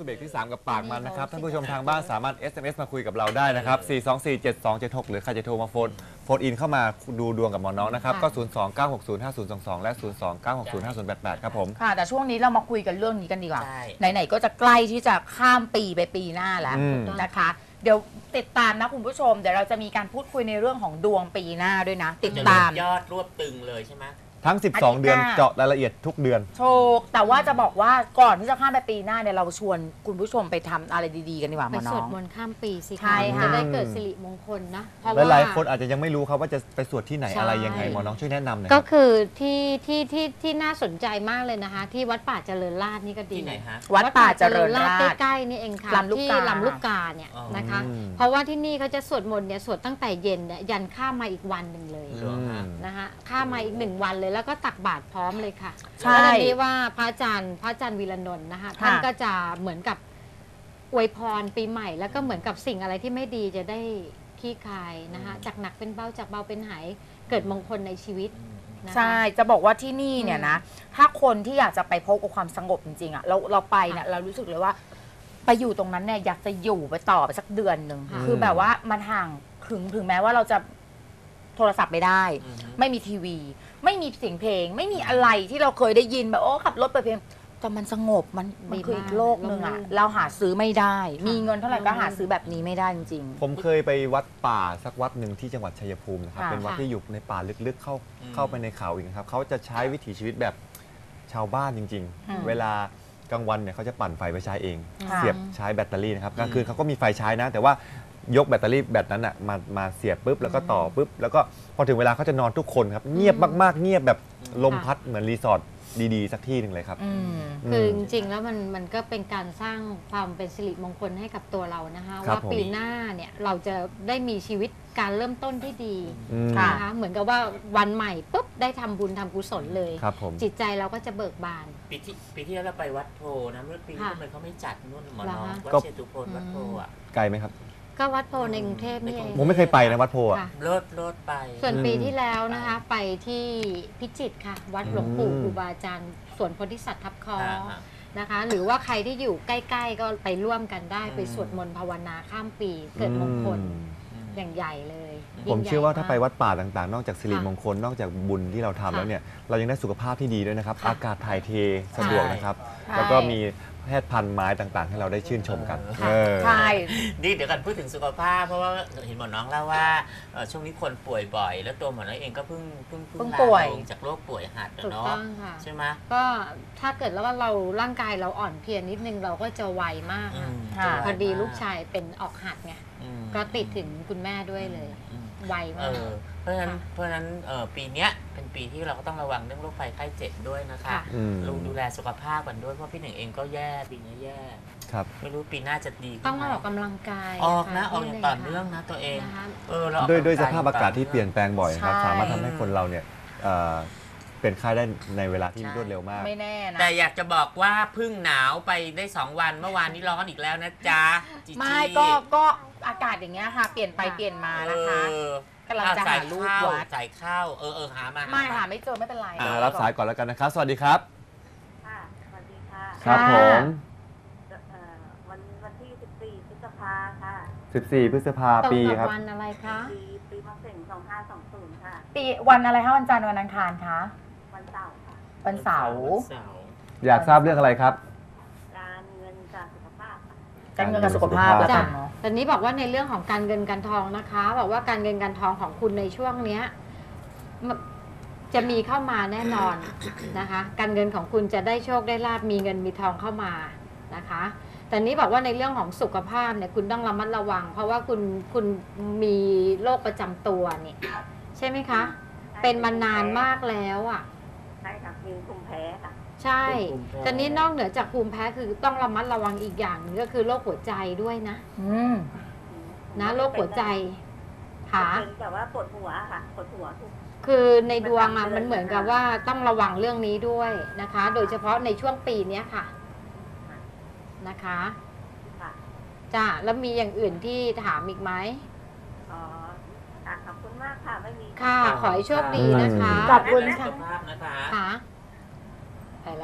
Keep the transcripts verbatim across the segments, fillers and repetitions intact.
เบรกที่สามกับปากมันนะครับท่านผู้ชมทางบ้านสามารถ เอส เอ็ม เอส มาคุยกับเราได้นะครับ สี่ สอง สี่ เจ็ด สอง เจ็ด หก หรือใครจะโทรมาโฟนโฟนอินเข้ามาดูดวงกับหมอน้องนะครับก็ ศูนย์ สอง เก้า หก ศูนย์ ห้า ศูนย์ สอง สอง และ ศูนย์ สอง เก้า หก ศูนย์ ห้า ศูนย์ แปด แปด ครับผมค่ะแต่ช่วงนี้เรามาคุยกันเรื่องนี้กันดีกว่าไหนๆก็จะใกล้ที่จะข้ามปีไปปีหน้าแล้วนะคะเดี๋ยวติดตามนะคุณผู้ชมเดี๋ยวเราจะมีการพูดคุยในเรื่องของดวงปีหน้าด้วยนะติดตามยอดรวบตึงเลยใช่ไหมทั้งสิบสองเดือนเจาะรายละเอียดทุกเดือนถูกแต่ว่าจะบอกว่าก่อนที่จะข้ามไปปีหน้าเนี่ยเราชวนคุณผู้ชมไปทำอะไรดีๆกันดีกว่าหมอน้องไปสวดมนต์ข้ามปีสิใช่ค่ะจะได้เกิดสิริมงคลนะหลายๆคนอาจจะยังไม่รู้ครับว่าจะไปสวดที่ไหนอะไรยังไงหมอน้องช่วยแนะนำหน่อยก็คือที่ที่ที่ที่น่าสนใจมากเลยนะคะที่วัดป่าเจริญราษฎร์นี่ก็ดีที่ไหนฮะวัดป่าเจริญราษฎร์ใกล้ๆนี่เองค่ะที่ลำลูกกาเนี่ยนะคะเพราะว่าที่นี่เขาจะสวดมนต์เนี่ยสวดตั้งแต่เย็นเนี่ยยันข้ามมาอีกวันหนึ่งเลยนะคะข้ามมาอีกหนึ่งวันเลยแล้วก็ตักบาตรพร้อมเลยค่ะใช่แล้วนี้ว่าพระอาจารย์พระอาจารย์วีระนนท์นะคะท่านก็จะเหมือนกับอวยพรปีใหม่แล้วก็เหมือนกับสิ่งอะไรที่ไม่ดีจะได้คลี่คลายนะคะจากหนักเป็นเบาจากเบาเป็นหายเกิดมงคลในชีวิตใช่จะบอกว่าที่นี่เนี่ยนะถ้าคนที่อยากจะไปพบกับความสงบจริงๆอ่ะเราเราไปเนี่ยเรารู้สึกเลยว่าไปอยู่ตรงนั้นเนี่ยอยากจะอยู่ไปต่อไปสักเดือนหนึ่งคือแบบว่ามันห่างถึงถึงแม้ว่าเราจะโทรศัพท์ไม่ได้ไม่มีทีวีไม่มีเสียงเพลงไม่มีอะไรที่เราเคยได้ยินแบบโอ้ขับรถไปเพลงแต่มันสงบมันมันคืออีกโลกหนึ่งอ่ะเราหาซื้อไม่ได้มีเงินเท่าไหร่ก็หาซื้อแบบนี้ไม่ได้จริงๆผมเคยไปวัดป่าสักวัดหนึ่งที่จังหวัดชัยภูมินะครับเป็นวัดที่อยู่ในป่าลึกๆเข้าเข้าไปในเขาอีกครับเขาจะใช้วิถีชีวิตแบบชาวบ้านจริงๆเวลากลางวันเนี่ยเขาจะปั่นไฟไปใช้เองเสียบใช้แบตเตอรี่นะครับกลางคืนเขาก็มีไฟใช้นะแต่ว่ายกแบตเตอรี่แบตนั้นอ่ะมามาเสียบปุ๊บแล้วก็ต่อปุ๊บแล้วก็พอถึงเวลาเขาจะนอนทุกคนครับเงียบมากๆเงียบแบบลมพัดเหมือนรีสอร์ทดีๆสักที่หนึ่งเลยครับคือจริงๆแล้วมันมันก็เป็นการสร้างความเป็นสิริมงคลให้กับตัวเรานะคะว่าปีหน้าเนี่ยเราจะได้มีชีวิตการเริ่มต้นที่ดีนะคะเหมือนกับว่าวันใหม่ปุ๊บได้ทำบุญทำกุศลเลยจิตใจเราก็จะเบิกบานปีที่ปีที่แล้วเราไปวัดโพนะเมื่อปีที่ทำไมเขาไม่จัดนู่นหมอน้องวัดเชตุพนวัดโพอ่ะไกลไหมครับก็วัดโพในกรุงเทพนี่เองผมไม่เคยไปนะวัดโพอ่ะรถรถไปส่วนปีที่แล้วนะคะไปที่พิจิตรค่ะวัดหลวงปู่ครูบาอาจารย์สวนโพธิสัตว์ทับคอนะคะหรือว่าใครที่อยู่ใกล้ๆก็ไปร่วมกันได้ไปสวดมนต์ภาวนาข้ามปีเกิดมงคลอย่างใหญ่เลยผมเชื่อว่าถ้าไปวัดป่าต่างๆนอกจากสิริมงคลนอกจากบุญที่เราทำแล้วเนี่ยเรายังได้สุขภาพที่ดีด้วยนะครับอากาศถ่ายเทสะดวกนะครับแล้วก็มีแพทย์พันธุ์ไม้ต่างๆให้เราได้ชื่นชมกันใช่นี่เดี๋ยวกันพูดถึงสุขภาพเพราะว่าเห็นหมอน้องเล่าว่าช่วงนี้คนป่วยบ่อยแล้วตัวหมอน้องเองก็เพิ่งเพิ่งเพิ่งป่วยจากโรคป่วยหัดเนาะใช่ไหมก็ถ้าเกิดแล้วว่าเราร่างกายเราอ่อนเพลียนิดนึงเราก็จะไวมากพอดีลูกชายเป็นออกหัดไงก็ติดถึงคุณแม่ด้วยเลยไวมากเพราะฉะนั้นเพราะฉะนั้นปีนี้เป็นปีที่เราก็ต้องระวังเรื่องโรคภัยไข้เจ็บด้วยนะคะลุงดูแลสุขภาพกันด้วยเพราะพี่หนึ่งเองก็แย่ปีนี้แย่ไม่รู้ปีหน้าจะดีต้องออกกำลังกายออกนะออกอย่างต่อเนื่องนะตัวเองเออด้วยด้วยสภาพอากาศที่เปลี่ยนแปลงบ่อยครับสามารถทำให้คนเราเนี่ยเป็นไข้ได้ในเวลาที่รวดเร็วมากไม่แน่นะแต่อยากจะบอกว่าพึ่งหนาวไปได้สองวันเมื่อวานนี้ร้อนอีกแล้วนะจ๊ะไม่ก็ก็อากาศอย่างเงี้ยค่ะเปลี่ยนไปเปลี่ยนมานะคะกำลังจะหาลูกวัดใส่ข้าวเออเออหามาไม่หาไม่เจอไม่เป็นไรรับสายก่อนแล้วกันนะครับสวัสดีครับค่ะสวัสดีค่ะครับผมวันวันที่สิบสี่พฤษภาค่ะสิบสี่พฤษภาปีครับวันอะไรคะปีปีมะเส็งสองห้าสองศูนย์ค่ะปีวันอะไรคะวันจันทร์วันอังคารคะวันเสาร์ค่ะวันเสาร์อยากทราบเรื่องอะไรครับการเงินการสุขภาพการเงินกับสุขภาพแล้วกันเนาะตอนนี้บอกว่าในเรื่องของการเงินการทองนะคะบอกว่าการเงินการทองของคุณในช่วงเนี้ยจะมีเข้ามาแน่นอนนะคะการเงินของคุณจะได้โชคได้ลาภมีเงินมีทองเข้ามานะคะแต่นี้บอกว่าในเรื่องของสุขภาพเนี่ยคุณต้องระมัดระวังเพราะว่าคุณคุณมีโรคประจำตัวเนี่ยใช่ไหมคะเป็นมานานมากแล้วอ่ะใช่ค่ะมีภูมิแพ้ค่ะใช่ตอนนี้นอกเหนือจากภูมิแพ้คือต้องระมัดระวังอีกอย่างนึงก็คือโรคหัวใจด้วยนะอืมนะโรคหัวใจค่ะแต่ว่าปวดหัวค่ะปวดหัวทุกคือในดวงอ่ะมันเหมือนกับว่าต้องระวังเรื่องนี้ด้วยนะคะโดยเฉพาะในช่วงปีนี้ค่ะนะคะจ้าแล้วมีอย่างอื่นที่ถามอีกไหมอ๋อขอบคุณมากค่ะไม่มีค่ะขอให้โชคดีนะคะขอบคุณค่ะค่ะไปแล้ว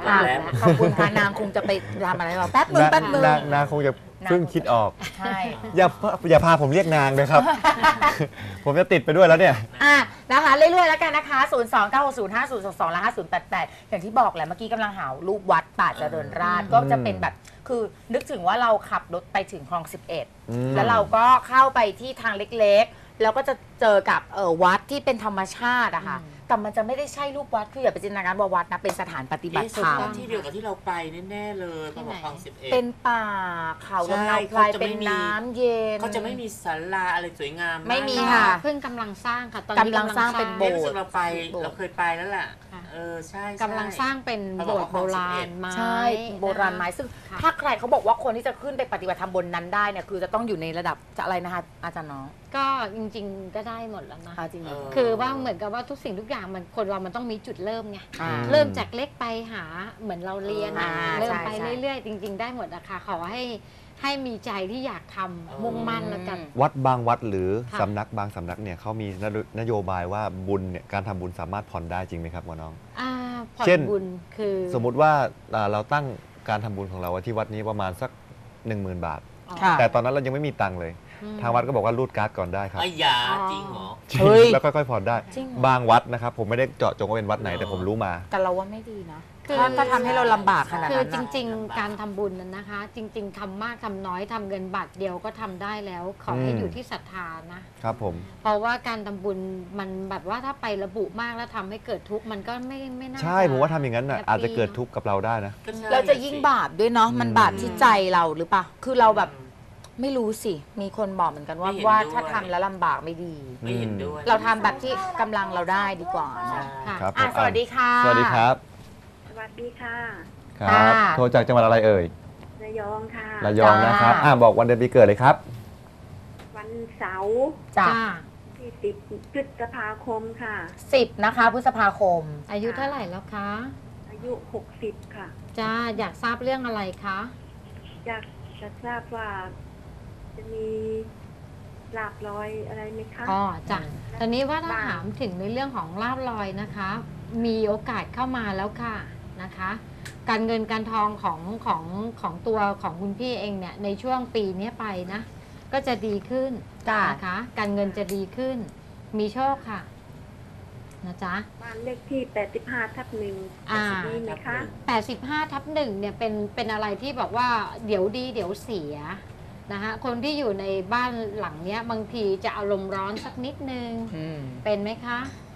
ค่ะแล้วขอบคุณค่ะนางคงจะไปทำอะไรเราแป๊บนึงแป๊บนึงนางนางคงจะเพิ่งคิดออกใช่อย่าอย่าพาผมเรียกนางเลยครับ ผมจะติดไปด้วยแล้วเนี่ยอ่ะนะคะเรื่อยๆแล้วกันนะคะ ศูนย์ สอง เก้า หก ศูนย์ ห้า ศูนย์ สอง สอง และ ห้า ศูนย์ แปด แปด อย่างที่บอกแหละเมื่อกี้กำลังหารูปวัดป่าเจริญราษฎร์ก็จะเป็นแบบคือนึกถึงว่าเราขับรถไปถึงคลองสิบเอ็ดอืมแล้วเราก็เข้าไปที่ทางเล็กๆ แล้วก็จะเจอกับเออวัดที่เป็นธรรมชาติอะค่ะแต่มันจะไม่ได้ใช่รูปวัดคืออย่าไปจินตนาการว่าวัดนะเป็นสถานปฏิบัติธรรมที่เดียวกับที่เราไปแน่ๆเลยพระบอกคลองสิบเอ็ดเป็นป่าเขาลำนาวไพรเป็นน้ำเย็นเขาจะไม่มีศาลาอะไรสวยงามไม่มีากค่ะเพิ่งกำลังสร้างค่ะตอนนี้กำลังสร้างเป็นโบเอ๊ะสถ์รู้สึกเราไปโบสถ์เราเคยไปแล้วล่ะค่ะเออใช่กำลังสร้างเป็นโบสถ์โบราณไม้ใช่โบราณไม้ซึ่งค่ะถ้าใครเขาบอกว่าคนที่จะขึ้นไปปฏิบัติธรรมบนนั้นได้เนี่ยคือจะต้องอยู่ในระดับจะอะไรนะคะอาจารย์น้องก็จริงๆก็ได้หมดแล้วนะอ่าจริงเหรอคือว่าเหมือนกับว่าทุกสิ่งทุกอย่างมันคนเรามันต้องมีจุดเริ่มไงอ่าเริ่มจากเล็กไปหาเหมือนเราเรียนอ่าเริ่มไปใช่เรื่อยๆ จริง ๆ ได้หมดอะค่ะขอให้ให้มีใจที่อยากทำมุ่งมั่นแล้วกันวัดบางวัดหรือค่ะสำนักบางสำนักเนี่ยเขามีนโยนโยบายว่าบุญเนี่ยการทำบุญสามารถผ่อนได้จริงไหมครับหมอน้องอ่าผ่อนเช่นบุญคือสมมุติว่าอ่าเราตั้งการทำบุญของเราไว้ที่วัดนี้ประมาณสัก หนึ่งหมื่น บาทอ๋อค่ะแต่ตอนนั้นเรายังไม่มีตังค์เลยอืมทางวัดก็บอกว่ารูดการ์ดก่อนได้ครับไอ้ยาจริงเหรอจริงเฮ้ยแล้วค่อยๆผ่อนได้จริงเหรอบางวัดนะครับผมไม่ได้เจาะจงว่าเป็นวัดไหนหรอแต่ผมรู้มาแต่เราว่าไม่ดีนะคือถ้าถ้าทำให้เราลำบากขนาดคือนั้นจนะริง ๆ การทำบุญนั้นนะคะ จริง ๆทำมากทำน้อยทำเงินบาทเดียวก็ทำได้แล้ว ขอให้อืมอยู่ที่ศรัทธานะครับผมเพราะว่าการทำบุญมันแบบว่าถ้าไประบุมากแล้วทำให้เกิดทุกข์มันก็ไม่ไม่น่าใช่ผมว่าทำอย่างนั้นน่ะแฮปปี้อาจจะเกิดทุกข์กับเราได้นะก็ใช่เราจะยิ่งบาปด้วยเนาะมันอืมบาปที่ใจเราหรือเปล่าคือเราแบบไม่รู้สิ มีคนบอกเหมือนกันว่าไม่เห็นว่าด้วยถ้าทำแล้วลำบากไม่ดีไม่เห็นด้วยเราทำแบบที่กำลังเราได้ดีกว่าใช่เนาะค่ะครับอ่ะผมสวัสดีค่ะสวัสดีครับสวัสดีค่ะครับค่ะโทรจากจังหวัดอะไรเอ่ยระยองค่ะระยองนะครับอ่าบอกวันเดือนปีเกิดเลยครับวันเสาร์จ้ะจ้าที่สิบพฤษภาคมค่ะสิบนะคะพฤษภาคมอายุเท่าไหร่แล้วคะอายุหกสิบค่ะจ้าอยากทราบเรื่องอะไรคะอยากจะทราบว่า จะมีลาบลอยอะไรไหมคะอ๋อจ้ะตอนนี้ว่าถ้าบ้างถามถึงในเรื่องของลาบลอยนะคะ มีโอกาสเข้ามาแล้วค่ะนะคะ การเงินการทองของของของตัวของคุณพี่เองเนี่ยในช่วงปีนี้ไปนะ ก็จะดีขึ้นจ้ะนะคะ การเงินจะดีขึ้น มีโชคค่ะนะจ๊ะบ้านเลขที่แปดสิบห้าทับหนึ่งอ่ามีไหมคะแปดสิบห้าทับหนึ่งเนี่ยเป็นเป็นอะไรที่บอกว่าเดี๋ยวดีเดี๋ยวเสียนะคะคนที่อยู่ในบ้านหลังเนี้ยบางทีจะอารมณ์ร้อนสักนิดนึงอืมเป็นไหมคะ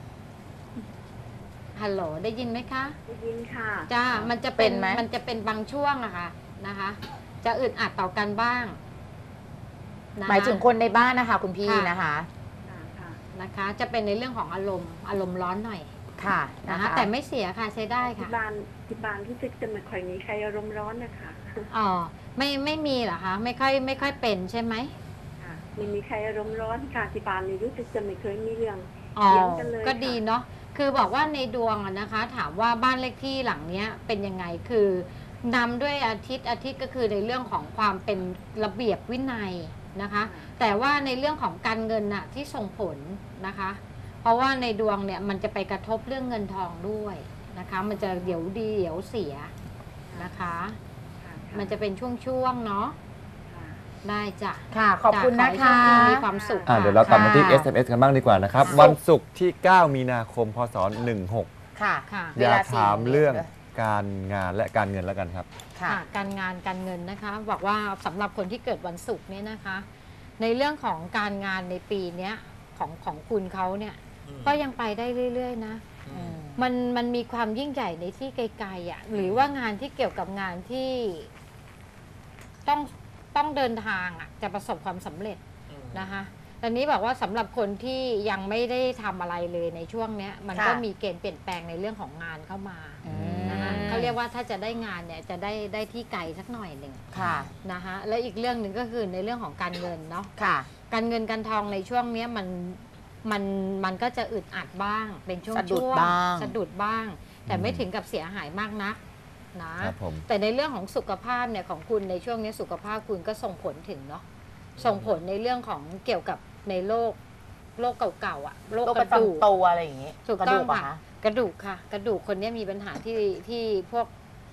ฮัลโหล ได้ยินไหมคะได้ยินค่ะจ้า มันจะเป็เป็นนไหมมันจะเป็นบางช่วงอะค่ะนะคะ จะอึดอัดต่อกันบ้างนะคะหมายถึงคนในบ้านนะคะ คุณพี่ค่ะนะคะค่ะค่ะนะคะ จะเป็นในเรื่องของอารมณ์อารมณ์ร้อนหน่อยค่ะนะนะคะ คะ แต่ไม่เสียค่ะใช้ได้ที่ค่ะบ้านที่บ้านรู้สึกจะไม่ค่อยมีใครอารมณ์ร้อนนะคะอ๋อ ไม่ไม่มีเหรอคะ ไม่ค่อยไม่ค่อยเป็นใช่ไหมค่ะไม่มีใครอารมณ์ร้อนค่ะที่บ้านนี่รู้สึกจะไม่เคยมีเรื่องอ๋อเถียงกันเลยก็ดีค่ะเนาะ คือบอกว่าในดวงอะนะคะ ถามว่าบ้านเลขที่หลังเนี้ยเป็นยังไง คือนำด้วยอาทิตย์อาทิตย์ก็คือในเรื่องของความเป็นระเบียบวินัยนะคะ แต่ว่าในเรื่องของการเงินน่ะที่ส่งผลนะคะ เพราะว่าในดวงเนี่ยมันจะไปกระทบเรื่องเงินทองด้วยนะคะ มันจะเดี๋ยวดีเดี๋ยวเสียนะคะค่ะมันจะเป็นช่วงๆเนาะค่ะได้จ้ะค่ะ ขอบคุณจ้นะขอคะให้โชดีมีความสุขอ่าค่ะเดี๋ยวเราตัดมาที่ค่ะเอส เอ็ม เอส กันบ้างดีกว่านะครับ วันศุกร์ที่ เก้า มีนาคม พศ หนึ่งหกค่ะค่ะเวอยาลาก สี่ถามเรื่องโมงเย็นการงานและการเงินแล้วกันครับค่ะค่ะการงานการเงินนะคะบอกว่าสำหรับคนที่เกิดวันศุกร์เนี่ยนะคะ ในเรื่องของการงานในปีเนี้ยของของคุณเขาเนี่ยอืมก็ยังไปได้เรื่อยๆนะอืมมันมันมีความยิ่งใหญ่ในที่ไกลๆอ่ะหรือว่างานที่เกี่ยวกับงานที่ต้องต้องเดินทางอ่ะจะประสบความสำเร็จอืมนะคะตอนนี้บอกว่าสำหรับคนที่ยังไม่ได้ทำอะไรเลยในช่วงเนี้ยมันค่ะก็มีเกณฑ์เปลี่ยนแปลงในเรื่องของงานเข้ามาอืมนะคะเขาเรียกว่าถ้าจะได้งานเนี่ยจะได้ได้ที่ไกลสักหน่อยหนึ่งค่ะนะคะและอีกเรื่องหนึ่งก็คือในเรื่องของการเงินเนาะค่ะการเงินการทองในช่วงเนี้ยมันมันมันก็จะอึดอัดบ้าง เป็นช่วงสะดุดช่วงบ้างสะดุดบ้าง แต่ไม่อืมถึงกับเสียหายมากนักนะครับผมแต่ในเรื่องของสุขภาพเนี่ยของคุณในช่วงนี้สุขภาพคุณก็ส่งผลถึงเนาะส่งผลในเรื่องของเกี่ยวกับในโรคโรคเก่าๆอ่ะโรคโรคกประระดูกจำตัวอะไรอย่างงี้ถูกกระต้ดูองกเหรอค่ะคะกระดูกค่ะ กระดูกคนเนี้ยมีปัญหาที่ที่พวก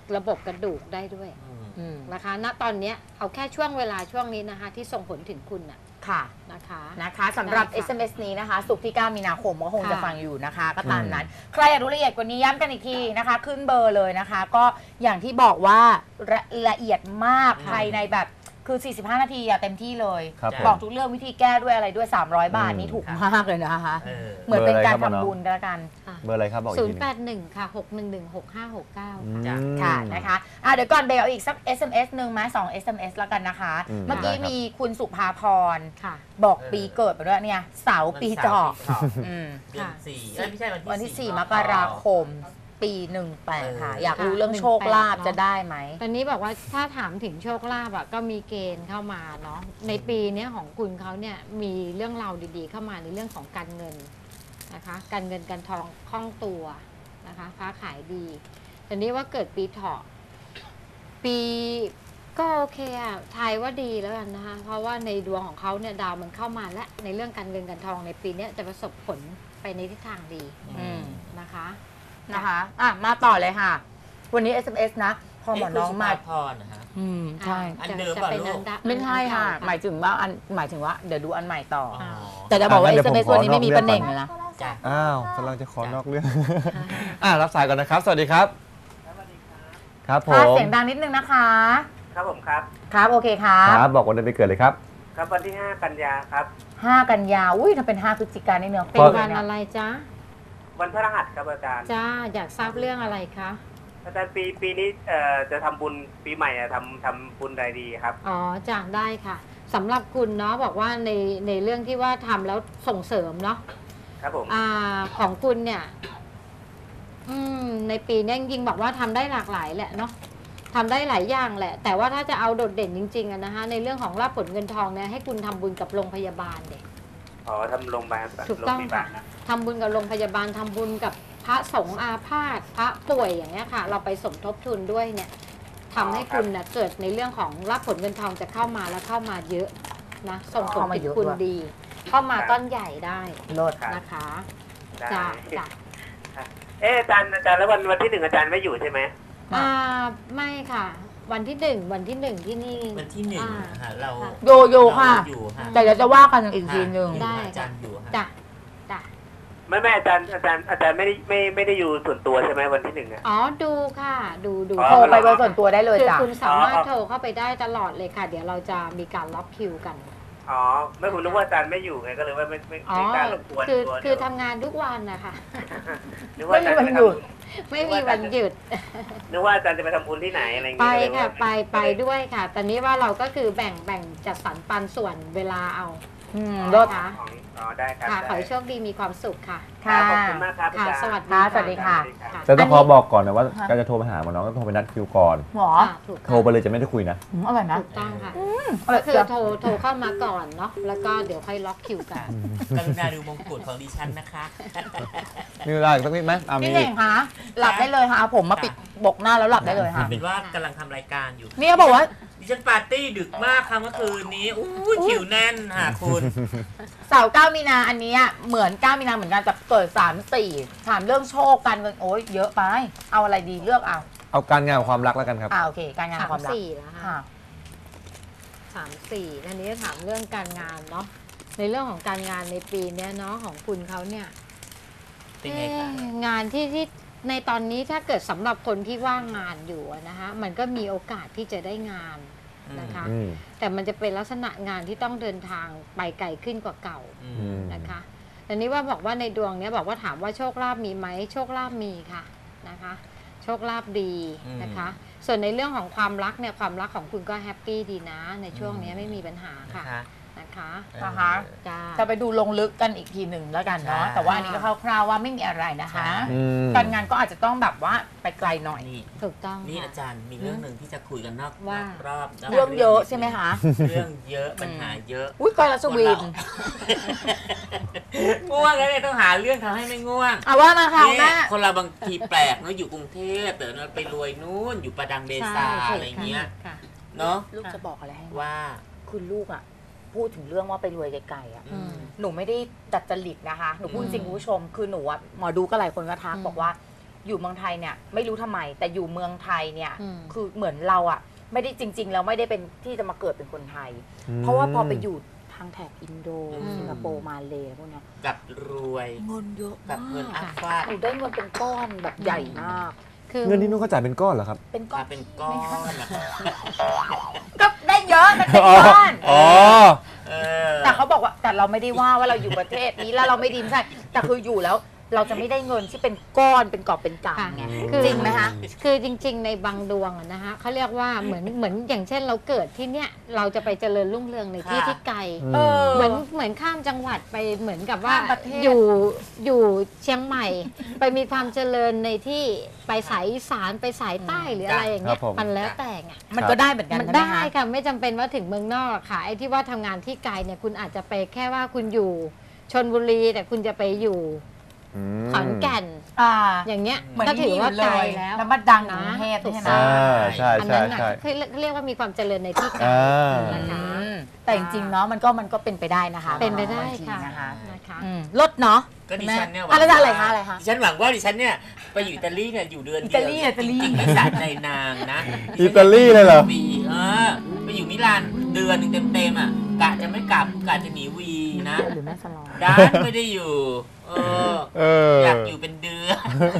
ระบบกระดูกได้ด้วยอืมนะคะ ณ ตอนเนี้ยเอาแค่ช่วงเวลาช่วงนี้นะคะที่ส่งผลถึงคุณน่ะค่ะนะคะนะคะสำหรับได้เอค่ะส เอ็ม เอส นี้นะคะศุกร์ที่ เก้า มีนาคมก็คงค่ะจะฟังอยู่นะคะ ก็ตามนั้น ใครอยากรู้ละเอียดกว่านี้ย้ำกันอีกทีนะคะ ขึ้นเบอร์เลยนะคะ ก็อย่างที่บอกว่าละละเอียดมากค่ะภายในแบบคือ สี่สิบห้า นาทีอะเต็มที่เลยครับผมบอกทุกเรื่องวิธีแก้ด้วยอะไรด้วย สามร้อย บาทอืมนี่ถูกมากเลยนะคะเออเหมือนเป็นการเบอร์อะไรครับทำบุญก็แล้วกันเบอร์อะไรครับบอกอีกศูทีนย์หแปนึงดหนึ่งค่ะหกหนึ่งหนึ่งหกห้าหกเก้าอืค่ะมค่ะนะคะอ่ะเดี๋ยวก่อนเบลเอาอีกสัก เอส เอ็ม เอส หนึ่งไหมสอง เอส เอ็ม เอส แล้วกันนะคะอืมเมื่อกี้ได้ครับมีคุณสุภาพรค่ะบอกเออปีเกิดไปด้วยเนี่ยเสาร์ปีเจาะวันเสาร์ปีเถาะอืมเดือนสี่เอ้ยไม่ใช่วันที่วันที่สี่สี่ มกราคม ปีหนึ่งแปดค่ะเออออยากรู้เรื่องโชคลาภจะได้ไหมตอนนี้บอกว่าถ้าถามถึงโชคลาภอะก็มีเกณฑ์เข้ามาเนาะในปีเนี้ยของคุณเขาเนี่ยมีเรื่องราวดีๆ เข้ามาในเรื่องของการเงินนะคะการเงินการทองคล่องตัวนะคะค้าขายดีแต่นี้ว่าเกิดปีเถาะปีก็โอเคอะทายว่าดีแล้วกันนะคะเพราะว่าในดวงของเขาเนี่ยดาวมันเข้ามาและในเรื่องการเงินการทองในปีเนี้ยจะประสบผลไปในทิศทางดีอืมนะคะนะคะอ่ะมาต่อเลยค่ะ วันนี้ เอส เอ็ม เอส นะ พอหมอน้องมาเะคุณสุภพรนะฮะอืมใช่อันจะเดิมจะเปล่าเป็นลูอักนดะไม่ใช่ค่ะอันเก่าหมายถึงว่าอันหมายถึงว่าเดี๋ยวดูอันใหม่ต่ออ๋อแต่จะบอกว่าอ่ะงั้เอนเดี๋สยวเอ็มผมเอส วันนี้ไม่มีขอนอกประเด็นเรื่องเลยนะจ้ะอ้าวกำลังจะขอนอกเรื่อง อ่ารับสายก่อนนะครับ สวัสดีครับ ครับผค่ะมเสียงดังนิดนึงนะคะครับผมครับครับโอเคครับครับบอกวันเดือนปีเกิดเลยครับครับวันที่ห้ากันยาครับห้ากันยาอุ้ยถ้าเป็นห้าพฤศจิกายนนี่เนื้อเป็นคู่วันเนี่ยอะไรจ๊ะวันพฤหัสครับอาจารย์จ้าอยากทราบเรื่องอะไรคะอาจารย์ปีปีนี้เอ่อจะทำบุญปีใหม่อะทำทำบุญใดดีครับอ๋อจ้าได้ค่ะสำหรับคุณเนาะบอกว่าในในเรื่องที่ว่าทำแล้วส่งเสริมเนาะครับผมอ่าของคุณเนี่ยอืมในปีนี้จริงๆบอกว่าทำได้หลากหลายแหละเนาะทำได้หลายอย่างแหละ แต่ว่าถ้าจะเอาโดดเด่นจริงๆอะนะคะในเรื่องของรับผลเงินทองเนี่ยให้คุณทำบุญกับโรงพยาบาลเด็กอ๋อทำโรงพยาบาลถูกต้องโรงพยาค่ะบาลนะทำบุญกับโรงพยาบาลทำบุญกับพระสงฆ์อาพาธพระป่วยอย่างเงี้ยค่ะ เราไปสมทบทุนด้วยเนี่ยทำให้คุณนะเกิดในเรื่องของรับผลเงินทองจะเข้ามาแล้วเข้ามาเยอะนะส่งผลถึงคุณดี เข้ามาก้อนใหญ่ได้โลดนะคะได้จ้าจ้าเอ๊ะอาจารย์อาจารย์แล้ววันวันที่หนึ่งอาจารย์ไม่อยู่ใช่ไหมอ่าไม่ค่ะ วันที่หนึ่งวันที่หนึ่งที่นี่วันที่หนึ่งอ่านะฮะเราค่ะโยโย่ค่ะเราอยู่ฮะแต่เดี๋ยวจะว่ากันอีกทีหนึ่งอยู่ได้อาจารย์อยู่ฮะจ้ะจ้ะไม่ไม่อาจารย์อาจารย์อาจารย์ไม่ได้ไม่ไม่ได้อยู่ส่วนตัวใช่ไหมวันที่หนึ่งอะอ๋อดูค่ะ ดูดูอ๋อโทรไปเบอร์ส่วนตัวได้เลยคือจ้ะคุณสามารถอ๋อโทรเข้าไปได้ตลอดเลยค่ะ เดี๋ยวเราจะมีการล็อกคิวกันอ๋อไม่ผมนึกว่าอาจารย์ไม่อยู่ไงก็เลยว่าไม่ไม่อ๋อไม่กล้ารบกวนคือตัวคือเดี๋ยวทำงานทุกวันนะคะนึกว่าอาจารย์ไม่มีวันหยุดไม่มีวันหยุดนึกว่าอาจารย์จะไปทำบุญที่ไหนอะไรอย่างไปเงี้ยก็เลยค่ะว่าไปไปด้วยค่ะ ตอนนี้ว่าเราก็คือแบ่งแบ่งจัดสรรปันส่วนเวลาเอาอืมอ๋อโลดค่ะอ๋ออ๋อได้ครับค่ะ ขอได้ให้โชคดีมีความสุขค่ะครัค่ะบขอบคุณมากครับอาค่ะจารย์สวัสดีค่ะสวัสดีค่ะค่ะแต่ต้องอันนี้ขอบอกก่อนนะว่าการจะโทรไปหาหมอน้องก็โทรไปนัดคิวก่อนหมอค่ะถูกโทรไปเลยจะไม่ได้คุยนะอืมอร่อยนะถูกต้องค่ะอร่ก็อยคือจังโทรโทรเข้ามาก่อนเนาะแล้วก็เดี๋ยวค่อยล็อกคิวกันกรุณาดูมงกุฎของดิฉันนะคะมีเวลาอีกสักนิดไหมอ่ะมีพี่เน่งคะหลับได้เลยค่ะเอาผมมาปิดบกหน้าแล้วหลับได้เลยค่ะเป็นว่ากำลังทำรายการอยู่เนี่ยบอกว่าดิฉันปาร์ตี้ดึกมากค่ะเมื่อคืนนี้อู้ยคิวแน่นค่ะคุณเสาร์เก้ามีนาอันเนี้ยเหมือนเก้ามีนาเหมือนกันแต่เกิดสามสี่ถามเรื่องโชคการเงินโอ๊ยเยอะไป เอาอะไรดีเลือกเอาเอาการงานกับความรักแล้วกันครับอ่าโอเค การงานสามความรักสี่แล้วค่ะค่ะสามสี่อันนี้ถามเรื่องการงานเนาะในเรื่องของการงานในปีเนี้ยเนาะของคุณเขาเนี่ยเป็นไงคะเอ๊ะงานที่ที่ในตอนนี้ถ้าเกิดสำหรับคนที่ว่างงานอยู่อะนะคะมันก็มีโอกาสที่จะได้งานนะคะอืมแต่มันจะเป็นลักษณะงานที่ต้องเดินทางไปไกลขึ้นกว่าเก่าอือืมมนะคะแต่นี้ว่าบอกว่าในดวงเนี้ยบอกว่าถามว่าโชคลาภมีไหมโชคลาภมีค่ะนะคะ โชคลาภดีนะคะ ส่วนในเรื่องของความรักเนี่ยความรักของคุณก็แฮปปี้ดีนะ ในช่วงเนี้ยไม่มีปัญหาค่ะนะคะนะคะนะคะจ้าจะไปดูลงลึกกันอีกทีหนึ่งแล้วกันเนาะใช่แต่ว่าอันนี้ก็คร่าวๆว่าไม่มีอะไรนะคะอืมการงานก็อาจจะต้องแบบว่าไปไกลหน่อยนี่ถูกต้องนี่ค่ะอาจารย์มีเรื่องหนึ่งที่จะคุยกันนอกว่านอกรอบนกเรื่องเยอะใช่ไหมคะเรื่องเยอะปัญหาเยอะอุ้ยกอยรัสวินง่วงแล้วเนี่ยต้องหาเรื่องทำให้ไม่ง่วงอ่ะว่ามาค่ะนี่แม่คนเราบางทีแปลกเนาะอยู่กรุงเทพแต่เราไปรวยนู่นอยู่ประดังเบซาใช่อะไรเงี้ยค่ะเนาะลูกจะบอกอะไรให้ว่าว่าคือลูกอ่ะพูดถึงเรื่องว่าไปรวยไกลๆอ่ะอืมหนูไม่ได้ดัดจริตนะคะ หนูพูดจริงคุณผู้ชม คือหนูอะหมอดูก็หลายคนก็ทักอืมบอกว่าอยู่เมืองไทยเนี่ยไม่รู้ทำไมแต่อยู่เมืองไทยเนี่ยอืมคือเหมือนเราอ่ะไม่ได้จริง ๆ แล้วไม่ได้เป็นที่จะมาเกิดเป็นคนไทย เพราะว่าพอไปอยู่ทางแถบอินโดอืมสิงคโปร์มาเลย์พวกเนี้ยกับรวยเงินเยอะกับเงินอัมากพฟาดหนูได้เงินเป็นก้อนแบบใหญ่มากคือเงินที่นู้นเขาจ่ายเป็นก้อนเหรอครับเป็นก้อมาน เป็นก้อนนะครับก็ได้เยอะมันเป็นก้อนอ๋อเออแต่เขาบอกว่าแต่เราไม่ได้ว่าว่าเราอยู่ประเทศนี้แล้วเราไม่ดีไม่ใช่แต่คืออยู่แล้วเราจะไม่ได้เงินที่เป็นก้อนเป็นกอบเป็นกำไงคือจริงไหมคะคือจริง ๆ ในบางดวงอะนะคะเขาเรียกว่าเหมือนเหมือนอย่างเช่นเราเกิดที่เนี้ยเราจะไปเจริญรุ่งเรืองในที่ค่ะที่ไกลเออเหมือนเหมือนข้ามจังหวัดไปเหมือนกับว่าข้ามประเทศอยู่อยู่เชียงใหม่ ไปมีความเจริญในที่ไปสายอีสานไปสายใต้หรืออะไรอย่างเงี้ยครับผมมันแล้วแต่ไงมันก็ได้เหมือนกันมันใช่ไหมได้คะค่ะไม่จำเป็นว่าถึงเมืองนอกหรอกค่ะไอ้ที่ว่าทำงานที่ไกลเนี่ยคุณอาจจะไปแค่ว่าคุณอยู่ชลบุรีแต่คุณจะไปอยู่อืมขอนแก่นอ่าอย่างเงี้ยเหมือนก็ถืที่ออว่ายู่เลไกลยแล้วแล้วมาดังอยู่กรุงเทพถูกใช่ไหมต้อ่าองใช่อันใช่นั้นน่ะใช่คือเรียกว่ามีความเจริญในที่ไกลอ่านะคะอืมแต่จริงๆเนาะมันก็มันก็เป็นไปได้นะคะเป็นไปได้บางทีค่ะนะคะนะคะอืมลดเนาะก็ดิฉันเนี่ยหวัอะไรงนะอะไรว่าคะอะไรคะดิฉันหวังว่าดิฉันเนี่ยไปอยู่อิตาลีเนี่ยอยู่เดือนเดียวอิตาลีอิตาลีจริงๆไม่สะใจนางนะอิตาลีเลยเหรอวีเออไปอยู่มิลานเดือนหนึงเต็มๆอ่ะกะจะไม่กลับกะจะหนีวีนะหรือแม่สลองด้านไม่ได้อยู่ เออเอออยากอยู่เป็นเดือน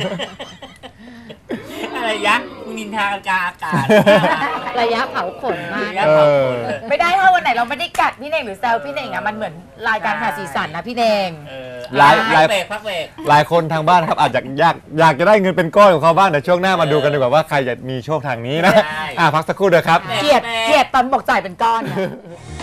อะไรยักษ์มึงนินทาอากาศอากาศระยะเผาขนมากระยะเผาขนเลยไม่ได้ถ้าวันไหนเราไม่ได้กัดพี่เน่งหรือแซวพี่เน่งอะมันเหมือนรายการหาสีสันนะพี่เน่งเออหลายพัหลายกเบรกพักเบรกหลายคนทางบ้านครับอาจจะอยากอยากจะได้เงินเป็นก้อนของเขาบ้างแต่ช่วงหน้ามาดูกันดีกว่าว่าใครจะมีโชคทางนี้นะใช่อ่ะพักสักครู่เดียวครับเกลียดเกลียดตอนบอกจ่ายเป็นก้อนอะ